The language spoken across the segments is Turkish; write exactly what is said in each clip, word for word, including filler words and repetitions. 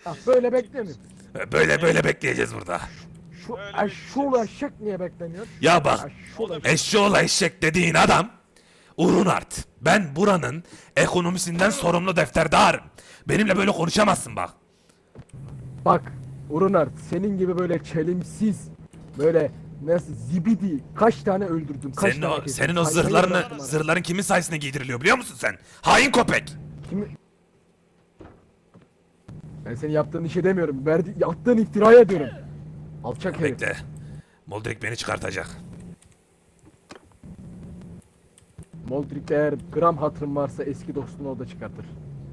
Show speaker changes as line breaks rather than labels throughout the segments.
Ah, böyle beklemiyorum.
Böyle böyle bekleyeceğiz burada.
Şu
Öyle
eşşoğlu eşek niye bekleniyor?
Ya bak,
Eşşoğlu eşek.
eşşoğlu eşek dediğin adam Urunart. Ben buranın ekonomisinden sorumlu defterdarım. Benimle böyle konuşamazsın bak.
Bak Urunart, senin gibi böyle çelimsiz, böyle nasıl zibidi kaç tane öldürdüm, kaç
Senin
tane
o,
kestim,
senin o
saymayı
zırhlarını,
bıraktım ara.
zırhların kimin sayesinde giydiriliyor biliyor musun sen? Hain köpek.
Kimi... Ben senin yaptığın işe demiyorum, verdi, yaptığın iftiraya diyorum. Alçak herif.
Bekle. Moldrik beni çıkartacak.
Moldrik eğer gram hatırın varsa eski dostunu o da çıkartır.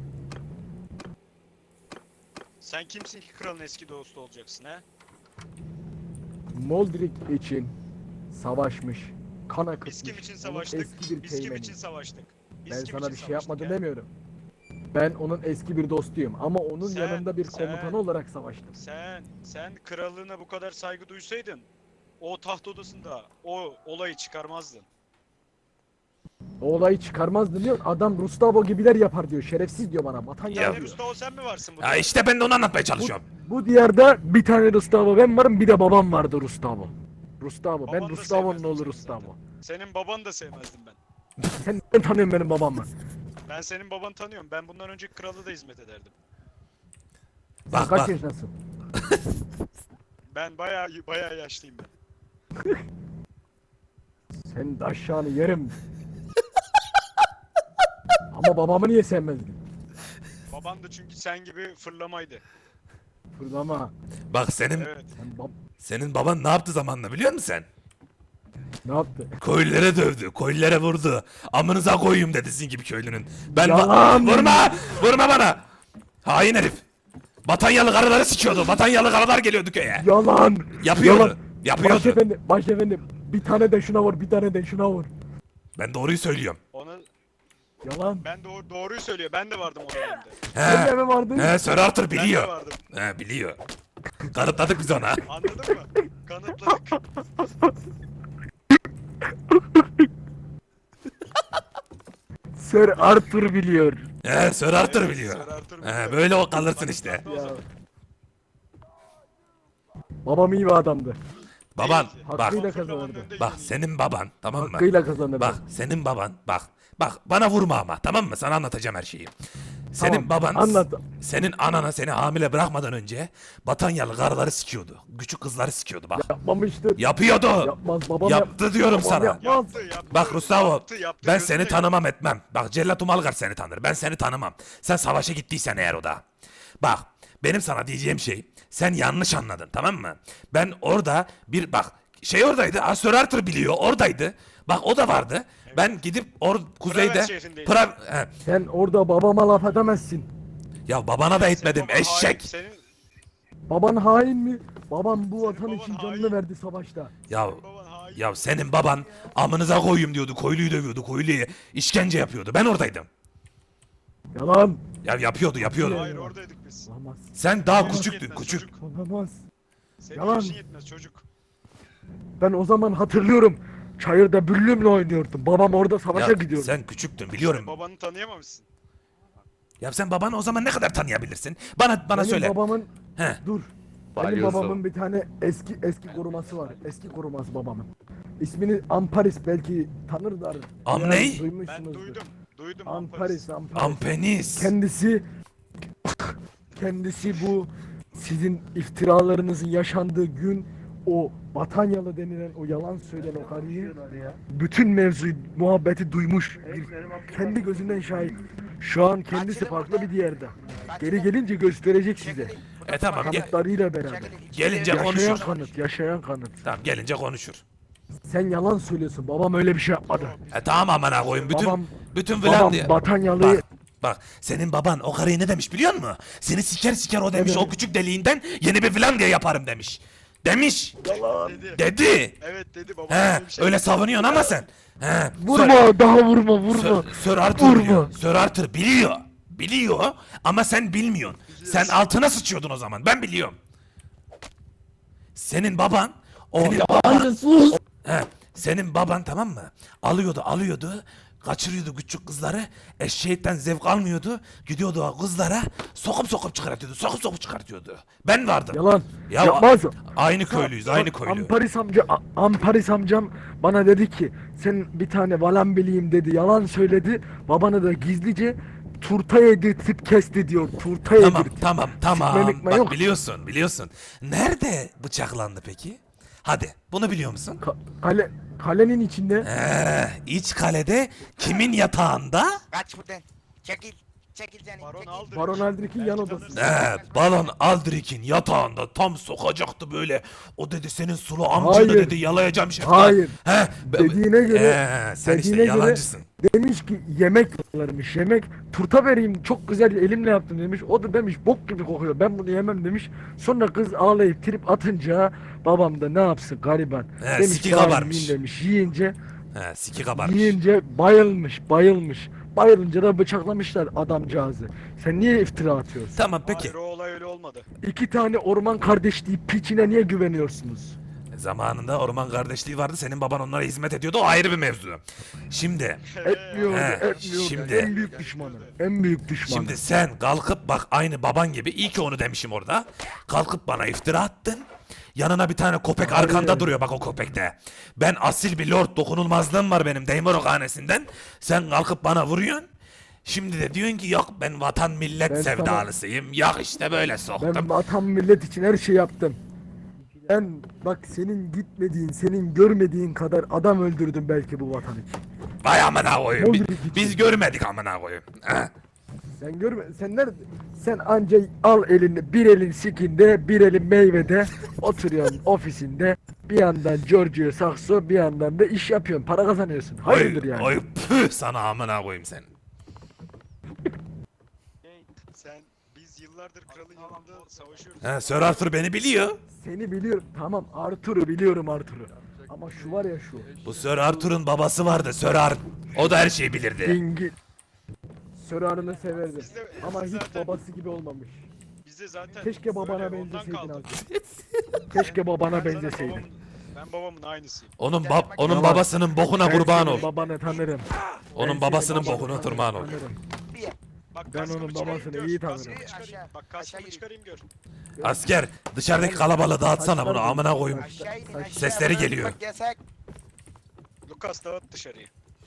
Sen kimsin ki kralın eski dostu olacaksın ha?
Moldrik için savaşmış, kan akıtmış.
Biz kim için
onun
savaştık?
Eski bir
Biz kim
teğmeni.
için savaştık? Biz
Ben
kim
sana
için
bir şey
savaştık
yapmadım
ya?
demiyorum. Ben onun eski bir dostuyum ama onun
Sen-
yanında bir
sen-
komutanı olarak savaştım.
Sen, sen krallığına bu kadar saygı duysaydın o taht odasında o olayı çıkarmazdın.
O olayı çıkarmazdı diyor. Adam Rustavo gibiler yapar diyor. Şerefsiz diyor bana. Vatan
Ya-
yalan
Yani
diyor.
Mustafa sen mi varsın bu
Ya
taht?
işte ben de onu anlatmaya
Bu,
çalışıyorum.
bu diyarda bir tane Rustavo ben varım, bir de babam vardı Rustavo. Rustavo.
Baban
Ben
da
Rustavo'nun
sevmezdim
oğlu
seni
Rustavo.
Senin babanı da sevmezdim ben.
Sen nereden tanıyorsun benim babamı?
Ben senin babanı tanıyorum. Ben bundan önce kralı da hizmet ederdim.
Sen
Bak
kaç
bak.
yaşındasın?
Ben bayağı bayağı yaşlıyım ben.
Senin de aşağını yerim. Ama babamı niye sevmezdin?
Baban da çünkü sen gibi fırlamaydı.
Fırlama.
Bak senin
Evet.
Sen bab...
senin baban ne yaptı zamanla biliyor musun sen?
Ne yaptı?
Köylülere dövdü, köylülere vurdu. Amınıza koyayım dedi sizin gibi köylünün. Ben va-
Yalan!
vurma! Vurma bana! Hain herif. Batanyalı karıları sikiyordu. Batanyalı karılar geliyordu köye.
Yalan!
Yapıyordu.
Yalan!
Yapıyordu.
Başefendi, başefendi. Bir tane de şuna vur, bir tane de şuna vur.
Ben doğruyu söylüyorum.
Onu
Yalan.
ben doğru, doğruyu söylüyor. Ben de vardım o dönemde.
Sen de
He.
mi vardın?
He, Sir Arthur
Ben de
biliyor.
vardım.
He, biliyor. Kanıtladık biz ona.
Anladın mı? Kanıtladık.
Sir Arthur biliyor.
He, Sir Arthur
Evet,
biliyor.
Sir Arthur
He,
biliyor.
böyle o kalırsın işte.
O zaman.
Babam iyi bir adamdı.
Baban,
Değildi.
bak,
Hakkıyla
Fırlamanın
kazanırdı.
önünde
bak
yürüyordu.
senin baban, tamam mı?
Hakkıyla kazanırdı.
Bak, senin baban, bak, bak bana vurma ama, tamam mı? Sana anlatacağım her şeyi. Senin
Tamam,
baban,
anlat.
senin anana seni hamile bırakmadan önce Batanyalı karıları sikiyordu. Küçük kızları sikiyordu bak.
Yapmamıştır.
Yapıyordu.
Yapmaz babam yap-
Yaptı diyorum
babam
sana.
yapmaz.
Yaptı, yaptı,
Bak Gustavo,
yaptı, yaptı,
ben
gözüne
seni
gö-
tanımam etmem. Bak Cellat Umalgar seni tanır. Ben seni tanımam. Sen savaşa gittiysen eğer o da. Bak benim sana diyeceğim şey, sen yanlış anladın, tamam mı? Ben orada bir bak şey oradaydı. Sir Arthur biliyor, oradaydı. Bak o da vardı. Ben gidip or kuzeyde
şehrindeydi.
Pra he.
Sen orada babama laf edemezsin.
Ya babana da etmedim
Senin baban hain,
eşek.
Senin
Baban hain mi? Babam bu vatan
baban
için
hain.
canını verdi savaşta.
Ya
baban hain.
ya senin baban amınıza koyayım diyordu. Koyluyu dövüyordu. Koyluyu işkence yapıyordu. Ben oradaydım.
Yalan.
Ya yapıyordu, yapıyordu.
Hayır oradaydık biz.
Olamaz.
Sen daha
Yaşın
küçüktün,
yetmez
küçük.
çocuk.
Olamaz.
Senin
Yalan.
yaşın yetmez çocuk.
Ben o zaman hatırlıyorum. Çayırda büllümle oynuyordum. Babam orada savaşa
Ya
gidiyordu.
sen küçüktün biliyorum.
Babanı tanıyamamışsın.
Ya sen babanı o zaman ne kadar tanıyabilirsin? Bana bana
Benim
söyle.
babamın
He.
dur. Benim
Balyozu.
babamın bir tane eski eski koruması var. Eski koruması babamın. İsmini Amparis, belki tanırlar.
Am
Biraz
ney?
Ben
duymuşsunuzdur.
duydum. Duydum.
Amparis, Amparis.
Ampenis.
Kendisi kendisi bu sizin iftiralarınızın yaşandığı gün o Batanyalı denilen o yalan söyleyen o karıyı bütün mevzuyu, muhabbeti duymuş. Bir, kendi gözünden şahit. Şu an kendisi farklı bir yerde. Geri gelince gösterecek size.
E tamam gel.
Kanıtlarıyla beraber.
Gelince
Yaşayan
konuşur.
kanıt, yaşayan kanıt.
Tamam gelince konuşur.
Sen yalan söylüyorsun. Babam öyle bir şey yapmadı.
E tamam amına koyayım. Bütün
Babam-
bütün
babam
Vlandiya.
Batanyalı'yı-
Bak, bak senin baban o karıya ne demiş biliyor musun? Seni siker siker o demiş.
Evet.
O küçük deliğinden yeni bir Vlandiya yaparım demiş. Demiş.
Dedi.
Dedi.
Evet dedi baba.
He,
öyle bir şey
öyle
dedi.
savunuyorsun ama sen. He.
Vurma, daha vurma, vurma.
Sir, Sir Arthur
Vurma.
biliyor. Sir Arthur biliyor. Biliyor ama sen bilmiyorsun. Sen altına sıçıyordun o zaman. Ben biliyorum. Senin baban o
Anne sus.
he, senin baban tamam mı? Alıyordu, alıyordu. Kaçırıyordu küçük kızları. Eşeğitten zevk almıyordu. Gidiyordu o kızlara sokup sokup çıkartıyordu. Sokup sokup çıkartıyordu. Ben vardım.
Yalan.
Ya
Yapmaz.
aynı köylüyüz, aynı
Bak,
köylü.
Amparis amca, A- Amparis amcam bana dedi ki sen bir tane valan bileyim dedi. Yalan söyledi. Babanı da gizlice turta yedirtip kesti diyor. Turta
Tamam,
yedirtip.
tamam, tamam.
Sikme mikme
Bak
yok.
biliyorsun, biliyorsun. Nerede bıçaklandı peki? Hadi, bunu biliyor musun?
Ka- kale, kalenin içinde.
Ee, iç kalede kimin yatağında?
Kaç buradan. Çekil. Çekil canım.
Baron
çekil.
Aldrich.
Baron Aldrich'in yan
Belki
odasında.
tanırsın.
Ee, Balon Aldrich'in yatağında tam sokacaktı böyle. O dedi senin sulu amcanı
Hayır.
dedi yalayacağım şimdi.
Hayır.
He, be-
Dediğine göre-
Ee, sen işte
dediğine göre-
yalancısın.
Demiş ki yemek varmış yemek. Turta vereyim çok güzel elimle yaptım demiş. O da demiş bok gibi kokuyor ben bunu yemem demiş. Sonra kız ağlayıp trip atınca babam da ne yapsın gariban.
He,
demiş
siki
"Bari
kabarmış."
yiyin demiş. Yiyince
He, siki kabarmış.
yiyince bayılmış bayılmış. Bayılınca da bıçaklamışlar adamcağızı. Sen niye iftira atıyorsun?
Tamam peki.
Hayır o olay öyle olmadı.
İki tane orman kardeşliği piçine niye güveniyorsunuz?
Zamanında orman kardeşliği vardı. Senin baban onlara hizmet ediyordu. O ayrı bir mevzu. Şimdi
Etmiyordu,
He,
etmiyordu.
şimdi-
En büyük düşmanı. En büyük düşmanı.
Şimdi sen kalkıp bak aynı baban gibi iyi ki onu demişim orada. Kalkıp bana iftira attın. Yanına bir tane köpek
Hayır.
arkanda duruyor bak o köpekte. Ben asil bir lord dokunulmazlığım var benim Deymorok hanesinden. Sen kalkıp bana vuruyorsun. Şimdi de diyorsun ki yok ben vatan millet
Ben sana-
sevdalısıyım. Yok işte böyle soktum.
Ben vatan millet için her şey yaptım. Ben bak senin gitmediğin, senin görmediğin kadar adam öldürdüm belki bu vatan için.
Vay amına koyayım.
Ne
Biz,
oldu peki?
biz görmedik amına koyayım. Ha?
Sen görme, sen nerede? Sen anca al elini, bir elin sikinde, bir elin meyvede, oturuyorsun ofisinde, bir yandan Giorgio Saxo, bir yandan da iş yapıyorsun, para kazanıyorsun. Hayırdır
Oy,
yani?
oy püh sana amına koyayım sen.
Sen biz yıllardır kralın yanında savaşıyoruz.
Ha, Sir Arthur beni biliyor.
Seni biliyorum, tamam Arthur'u biliyorum Arthur'u. Ama şu var ya şu,
Bu Sir Arthur'un babası vardı Sir Arthur. O da her şeyi bilirdi.
Dingi. Sörarını severdim.
Biz de-
Ama
biz
hiç
zaten-
babası gibi olmamış.
Bize zaten
Keşke babana
böyle ondan
benzeseydin
kaldı.
abi. Keşke babana
Ben zaten
benzeseydin.
babamın- Ben babamın aynısıyım.
Onun bab onun
Tamam.
babasının bokuna
Ben
kurban
senin
ol.
babanı tanırım.
Onun
Ben
babasının
senin
bokuna
babanı
kurban ol.
tanırım.
Bir.
Bak
Ben
kaskımı
onun
çıkarayım,
babasını
gör.
iyi
Kaskımı
tanırım.
çıkarayım.
Aşağı-
Bak
aşağı
kaskımı
in.
çıkarayım gör.
Asker dışarıdaki kalabalığı dağıtsana bunu amına koyayım.
Aşağı inin aşağı.
Sesleri
Buradan
geliyor.
çıkmak yasak.
Lucas dağıt dışarıyı.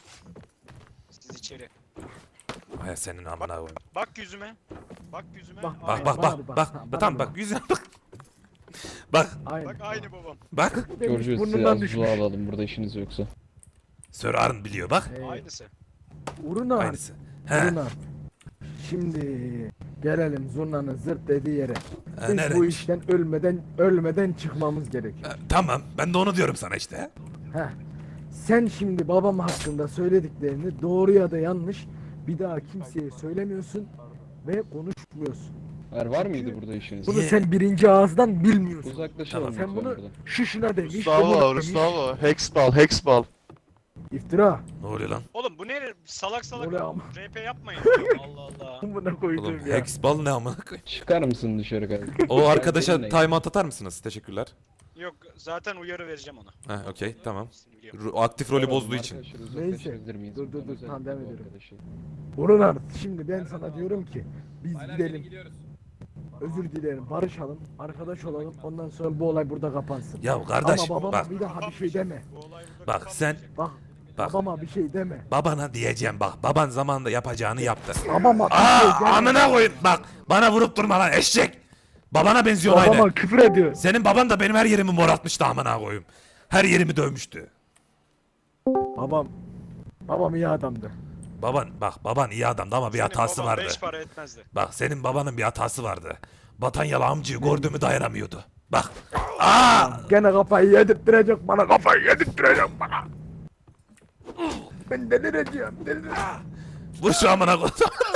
Siz içeri.
Ay senin amına koyayım.
Bak yüzüme. Bak yüzüme.
Bak,
Bak
Aynı.
bak
Bana
bak
bir bak,
bak.
bana
Tamam
bir
bak
bak.
yüzüne bak. Bak
Aynen.
Bak aynı babam.
bak.
Demiş,
Giorgio size
burnundan
az
düşmüş.
su alalım burada işiniz yoksa.
Sir Arn biliyor bak.
Ee,
Aynısı.
Uruna.
Aynısı. He.
Uruna. Şimdi gelelim zurnanın zırt dediği yere.
Ha,
Biz bu
nereymiş?
işten ölmeden ölmeden çıkmamız gerekiyor.
Ha, Tamam ben de onu diyorum sana işte.
Heh. Sen şimdi babam hakkında söylediklerini doğru ya da yanlış bir daha kimseye söylemiyorsun ve konuşmuyorsun.
Er var mıydı burada işiniz?
Bunu
Niye?
sen birinci ağızdan bilmiyorsun.
Uzaklaşalım
Tamam.
Sen
lütfen
bunu
buradan.
şu şuna demiş,
Gustavo,
bunu demiş.
Gustavo, Hexball, Hexball.
İftira.
Ne oluyor lan?
Oğlum bu ne salak salak
Bu ne ama?
R P yapmayın. Allah Allah.
Buna koydum
Oğlum
ya.
Hexball ne amına koyayım?
Çıkar mısın dışarı kardeşim?
O arkadaşa
Seninle.
timeout atar mısınız? Teşekkürler.
Yok zaten uyarı vereceğim ona.
Ha okey tamam.
Hepsini biliyorum.
Ru- Aktif rolü bozduğu için.
Arkadaşlar
Neyse.
uzaklaşabilir miyiz?
Dur, dur,
Buradan
dur,
özellikle
tamam, devam
bu
ediyorum.
arkadaşı.
Burhan şimdi ben sana diyorum ki biz gidelim. Özür dilerim barışalım, arkadaş olalım ondan sonra bu olay burada kapansın.
Ya kardeş
Ama babama
bak
bir daha bir şey deme.
Bu olay burada
bak sen
kapanmayacak.
Bak,
Bak.
babama bir şey deme.
babana diyeceğim bak. Baban zamanında yapacağını yaptı.
Babama bir
Aa
şey deme.
amına koyayım bak. Bana vurup durma lan eşek. Babana benziyor aynı.
Babama küfür ediyor.
Senin baban da benim her yerimi moratmıştı amına koyayım. Her yerimi dövmüştü.
Babam, babam iyi adamdı.
Baban bak baban iyi adamdı ama bir
Senin
hatası
baban
vardı.
Beş para etmezdi.
Bak senin babanın bir hatası vardı. Batanyalı amcayı gördüğümü dayanamıyordu. Bak. Aa!
Gene kafayı yedirttirecek bana, kafayı yedirttirecek bana. Ben delireceğim, delireceğim.
Vur şu amına koyayım.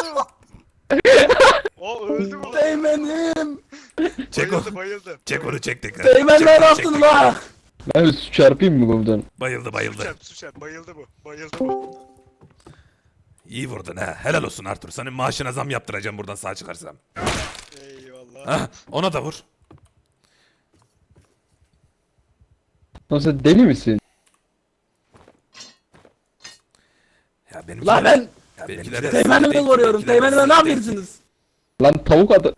O öldü mü?
Değmenim.
Çek onu.
Bayıldı bayıldı.
Çek onu çek tekrar.
Değmen
Çek
ne
onu, çek
yaptın
tekrar.
lan?
Ben bir su çarpayım mı komutanım?
Bayıldı bayıldı.
Suçer suçer bayıldı bu. Bayıldı bu.
İyi vurdun ha. Helal olsun Arthur. Senin maaşına zam yaptıracağım buradan sağ çıkarsam.
Eyvallah.
Ha, ona da vur.
Lan sen deli misin?
Ya benim Benim
La ben
benimkiler de-
teğmenimi koruyorum.
benimkiler-
Teğmenime ne yapıyorsunuz?
Lan tavuk adı.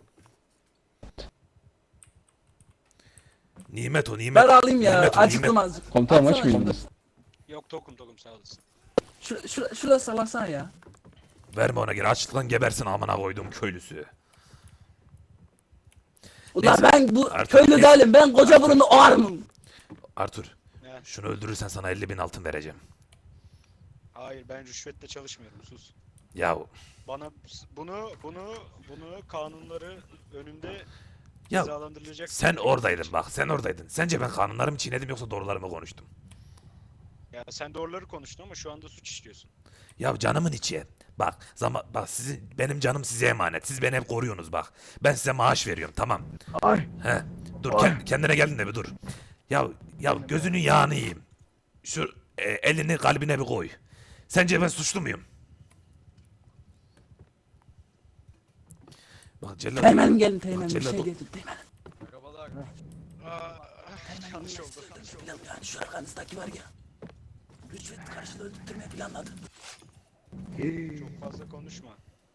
Nimet o nimet.
Ben alayım ya.
Nimet o,
Acıktım
nimet.
azıcık.
Komutanım aç
Atsana
mıydınız?
Yok tokum tokum sağ olasın.
Şu, şu, şurası sallasana ya.
Verme ona geri açlıktan gebersin amına koyduğum köylüsü.
Ulan
Neyse,
ben bu
artık
köylü
ne-
değilim. Ben koca burunlu oğarmım.
Artur
Ne?
şunu öldürürsen sana elli bin altın vereceğim.
Hayır ben rüşvetle çalışmıyorum sus.
Yahu.
Bana bunu bunu bunu kanunları önünde
Ya
cezalandırılacak.
sen oradaydın bak sen oradaydın. Sence ben kanunlarımı çiğnedim yoksa doğrularımı konuştum?
Ya sen doğruları konuştun ama şu anda suç işliyorsun.
Ya canımın içi. Bak zaman bak sizin benim canım size emanet. Siz beni hep koruyorsunuz bak. Ben size maaş veriyorum tamam.
Ay
He. Dur
Ay.
kend- kendine geldin de bir dur. Ya ya gözünün yağını yiyeyim. Şu e, elini kalbine bir koy. Sence ben suçlu muyum? Bak Celal.
Teğmenim gelin teğmenim. Bir
Celal,
şey
bu-
getir teğmenim.
Aa, yanlış oldu. yanlış oldu.
Plan yani şu arkanızdaki var ya. Rüşvet karşılığı öldürtmeyi planladı.
Çok fazla konuşma.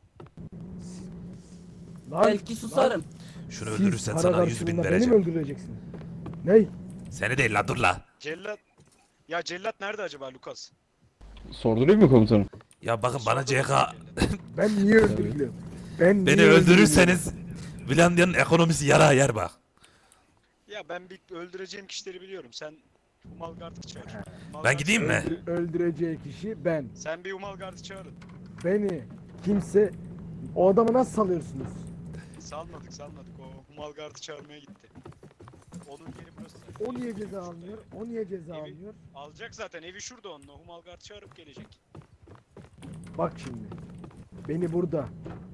lan,
Belki susarım.
Şunu
siz
öldürürsen
para
sana yüz bin
karşılığında beni mi
vereceğim.
öldüreceksiniz? Ney?
Seni değil la dur la.
Cellat. Ya cellat nerede acaba Lucas?
Sordurayım mı komutanım?
Ya bakın bana C K
Ben niye öldürülüyorum? Ben
beni
niye
öldürürseniz Finlandiya'nın ekonomisi yara yer bak.
Ya ben bir öldüreceğim kişileri biliyorum. Sen Humalgard'ı çağır. Humalgard
Ben gideyim
çağır.
mi?
öldürülüyorum? Öldü- Öldüreceği kişi ben.
Sen bir Humalgard'ı çağırın.
Beni kimse... O adamı nasıl salıyorsunuz?
Salmadık salmadık. O Humalgard'ı çağırmaya gitti. Onun yeri burası.
O niye ceza almıyor? O niye ceza
Evi-
almıyor?
Alacak zaten. Evi şurada onun. O Humalgard çağırıp gelecek.
Bak şimdi. Beni burada